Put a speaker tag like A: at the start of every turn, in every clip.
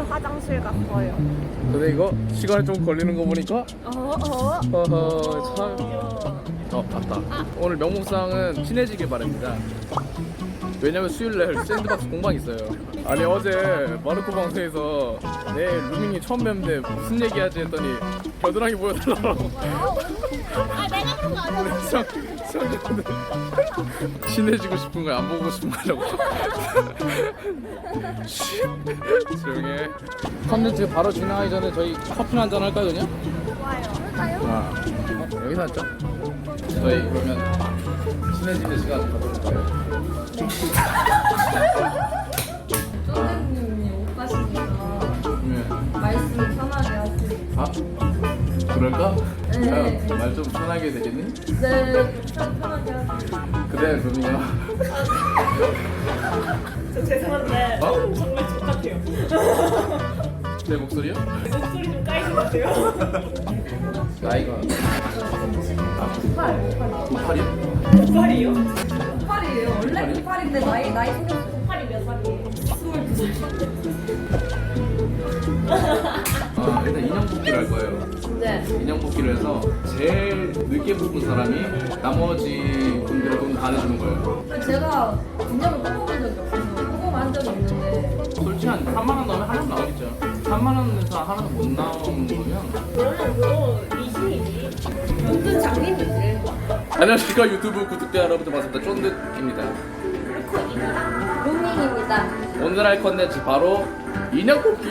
A: 화장실 갔어요.
B: 근데 이거 시간이 좀 걸리는 거 보니까 어허 참. 맞다. 오늘 명목상은 친해지길 바랍니다. 왜냐면 수요일날 샌드박스 공방 있어요. 아니 어제 마르코 방송에서 내 루밍이 처음 뵙는데 무슨 얘기하지 했더니 겨드랑이 보여달라고.
A: 아 내가 그런 거 아니야.
B: 수영자들 친해지고 싶은 거야 안 보고 싶은 거라고. 조용해. 컨텐츠 바로 진행하기 전에 저희 커피 한잔 할까요 그냥?
A: 좋아요. 할까요?
B: 여기서 앉자. 저희 그러면 친해지는 시간 가져볼 거예요.
C: 선생님이 못 가시니까 말씀 편하게 하세요.
B: 아? 그럴까?
C: 네.
B: 말 좀 편하게 되겠니?
C: 네, 편하게 하세요.
B: 그래 루밍아.
A: 저 죄송한데
B: 어?
A: 정말 똑같아요.
B: 내 목소리요?
A: 목소리 좀 까이신 것 같아요.
B: 나이가 98이야?
A: 98이요?
C: 98이에요. 원래 98인데 나이 생겼어요.
A: 98이 몇 살이에요?
C: 22살.
B: 일단 인형 뽑기를 할 거예요.
C: 네.
B: 인형 뽑기를 해서 제일 늦게 뽑은 사람이 나머지 분들의 돈 다 내주는 거예요.
C: 제가 인형을 뽑아본 적이 없어서 뽑아본 적이 있는데
B: 솔직히 한 3만 원 넣으면 하나 나오겠죠. 3만 원에서 하나도 못 나오는 거면.
A: 그러면 그거 미신이지. 완전 장님이지.
B: 안녕하십니까 유튜브 구독자 여러분들 반갑습니다. 쫀득입니다.
C: 루밍입니다.
B: 오늘 할 컨텐츠 바로 인형 뽑기.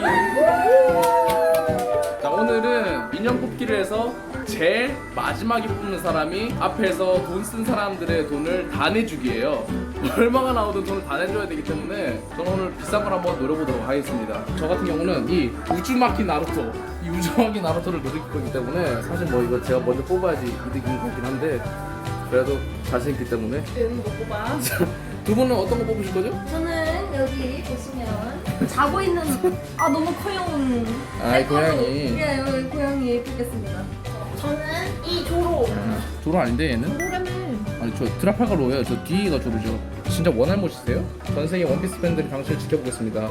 B: 자 오늘은 인형 뽑기를 해서 제일 마지막에 뽑는 사람이 앞에서 돈 쓴 사람들의 돈을 다 내주기예요. 얼마가 나오든 돈을 다 내줘야 되기 때문에 저는 오늘 비싼 걸 한번 노려보도록 하겠습니다. 저 같은 경우는 이 우즈마키 나루토, 이 우즈마키 나루토를 노릴 거기 때문에 사실 뭐 이거 제가 먼저 뽑아야지 이득인 거긴 한데 그래도 자신 있기 때문에.
A: 응, 못 뽑아.
B: 두 분은 어떤 거 뽑으실 거죠?
C: 저는 여기 보시면 자고 있는 너무 커요.
B: 아이, 고양이.
C: 예, 여기 고양이 뽑겠습니다.
A: 저는 이 조로.
B: 조로 아닌데 얘는?
A: 조로라며.
B: 아니 저 드라팔가로예요. 저 뒤가 조로죠. 진짜 원할못이세요? 전 세계 원피스 팬들이 당신을 지켜보겠습니다.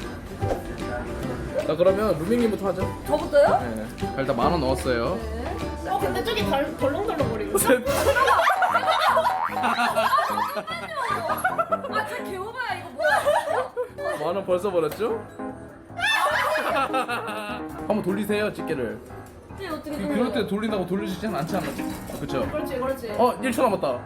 B: 자 그러면 루밍님부터 하죠.
C: 저부터요?
B: 네. 일단 10,000원 넣었어요.
C: 네.
A: 근데 저기 덜렁덜렁거리고.
C: 저 개오바야 이거 뭐야?
B: 10,000원 벌써 벌었죠? 한번 돌리세요 집게를.
C: 이게 어떻게
B: 그럴 때 돌린다고 돌려주진 않지 않나? 그쵸?
A: 그렇지, 그렇지.
B: 1초 남았다.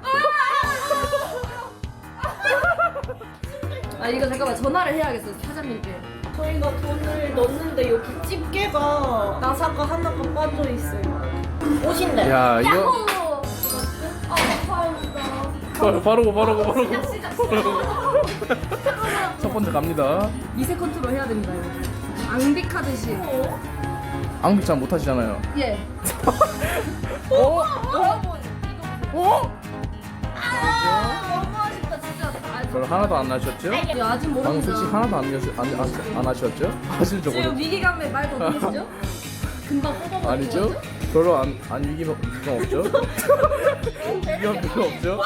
C: 이거 잠깐만 전화를 해야겠어 사장님께.
A: 저희가 돈을 넣었는데 여기 집게가 나사가 하나가 빠져 있어요. 옷인데.
B: 야 이거
C: 야호! 감사합니다.
B: 바로고.
C: 시작.
B: 첫 번째 갑니다.
C: 미세 컨트롤 해야 됩니다 이거. 앙빅하듯이.
B: 앙빅 잘 못하시잖아요.
C: 예.
B: 어?
C: 너무 아쉽다 진짜.
B: 별 하나도 안 나셨죠?
C: 아직
B: 방금
C: 모릅니다.
B: 솔직히 하나도 안 하셨죠? 하실
C: 지금
B: 적으로
C: 위기감에 말 못하시죠? 금방 뽑아버리죠?
B: 아니죠? 별로 안 위기감 없죠? 위기감 별로 없죠?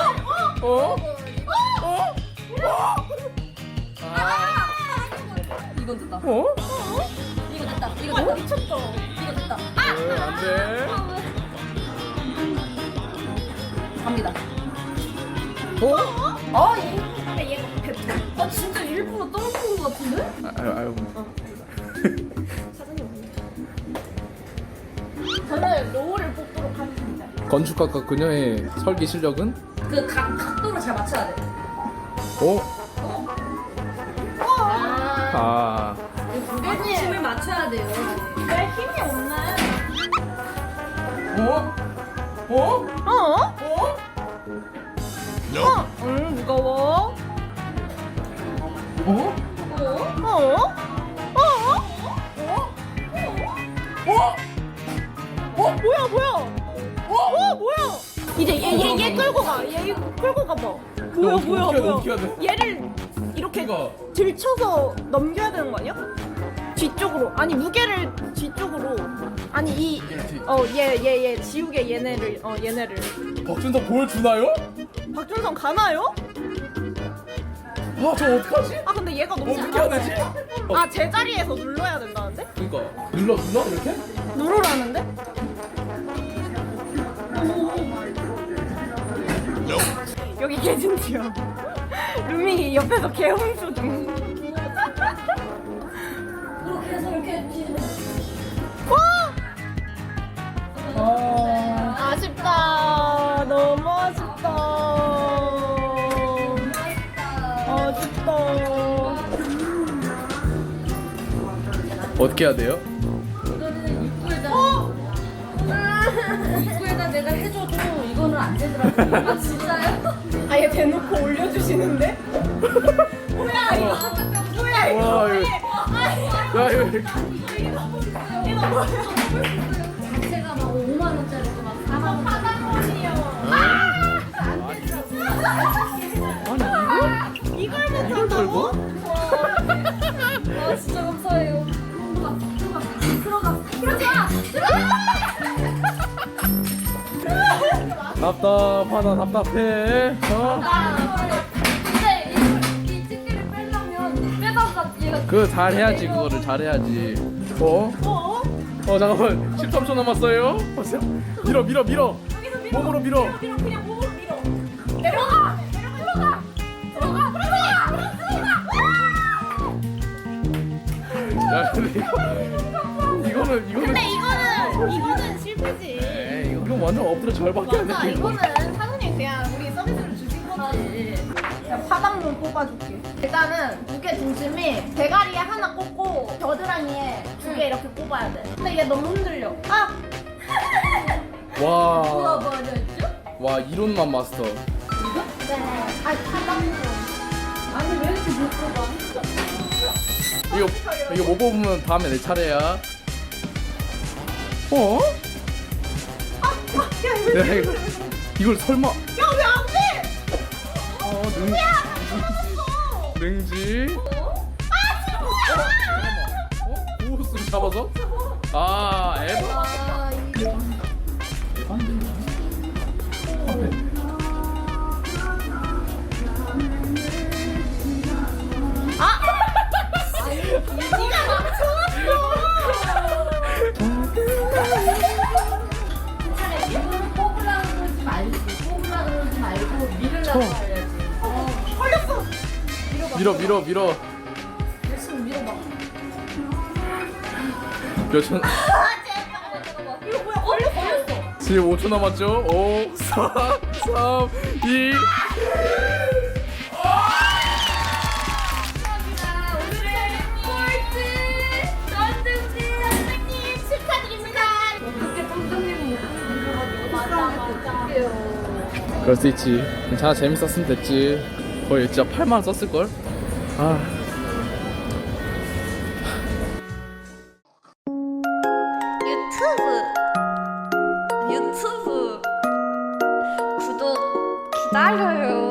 C: 이건 됐다.
B: 어?
C: 이거 됐다. 이거 됐다.
A: 미쳤다.
C: 이거 됐다.
B: 안돼.
C: 갑니다.
A: 얘가 뱉어.
C: 진짜 일부러 떨어뜨린 것 같은데?
B: 아유.
A: 저는 로우를 뽑도록 하겠습니다.
B: 건축학과 그녀의 설계 실력은?
C: 그 각도를 잘 맞춰야 돼.
B: 아.
C: 무게중심을 맞춰야 돼요.
A: 왜 힘이 없네? 무거워. 뭐야? 이제 얘 끌고 가. 얘 끌고 가봐. 뭐야? 얘를 이렇게
B: 이거.
A: 들쳐서 넘겨야 되는 거 아니야? 뒤쪽으로. 아니 무게를 뒤쪽으로. 아니 얘 지우개 얘네를 얘네를.
B: 박준성 보여주나요?
A: 박준성 가나요?
B: 저 어떡하지?
A: 아 근데 얘가 너무
B: 어떻게 해야 되지?
A: 아 제자리에서 눌러야 된다는데?
B: 그니까 눌러 이렇게?
A: 누르라는데? 여기 개진지요. 루밍이 옆에서 개홍수 중.
C: 그렇게 해서 이렇게
A: 아쉽다. 너무 아쉽다. 아쉽다.
B: 어떻게 해야 돼요?
C: 이거는 입구에다 내가 해줘도 이거는 안 되더라고. 아 진짜요?
A: 아예 대놓고 올려주시는데? 뭐야 이거? 뭐야 이거?
B: 와 이거 야 이거 이렇게
A: 이거 뭐야?
C: 자체가 막 5만 원짜리고 막 4만 원.
A: 이걸 못한다고?
C: 아 진짜 감사해요. 들어가.
B: 답답해.
C: 근데 이 집게를 빼려면 빼다가 얘가
B: 그 잘해야지 그거를 잘해야지. 잠깐만 13초 남았어요. 보세요. 밀어. 몸으로 밀어.
A: 그냥 몸으로 밀어. 내려가.
B: 야 근데 이거는
A: 근데 이거는 실패지.
B: 에이 이거 완전 엎드려 절밖에 안
A: 맞아
B: 돼.
A: 이거는 사장님 그냥 우리 서비스를 주신 거지. 야 파당문 뽑아줄게. 일단은 무게 중심이 대가리에 하나 꽂고 겨드랑이에 두 개 이렇게 꼽아야 돼. 근데 얘 너무 흔들려. 아
B: 와.
C: 뭐였죠?
B: 와 이론만 마스터.
A: 네. 아 파당문. 아니 왜 이렇게 못 뽑아?
B: 이거 못 뽑으면 다음에 내 차례야. 야, 이걸 설마?
A: 야왜 안 돼?
B: 능지. 고스를 잡아서? 아, 에바.
C: 아 이거
A: 네가 맞춰놨어.
C: 차라리 이거는 뽑으려고 그러지 말고 밀으려고 해야지.
A: 걸렸어.
B: 밀어.
C: 열심히 밀어봐.
B: 몇 초?
A: 이거 뭐야 걸렸어.
B: 지금 5초 남았죠? 5, 4, 3, 2. 그럴 수 있지. 괜찮아, 재밌었으면 됐지. 거의 진짜 8만 원 썼을걸? 아.
D: 유튜브 구독 기다려요.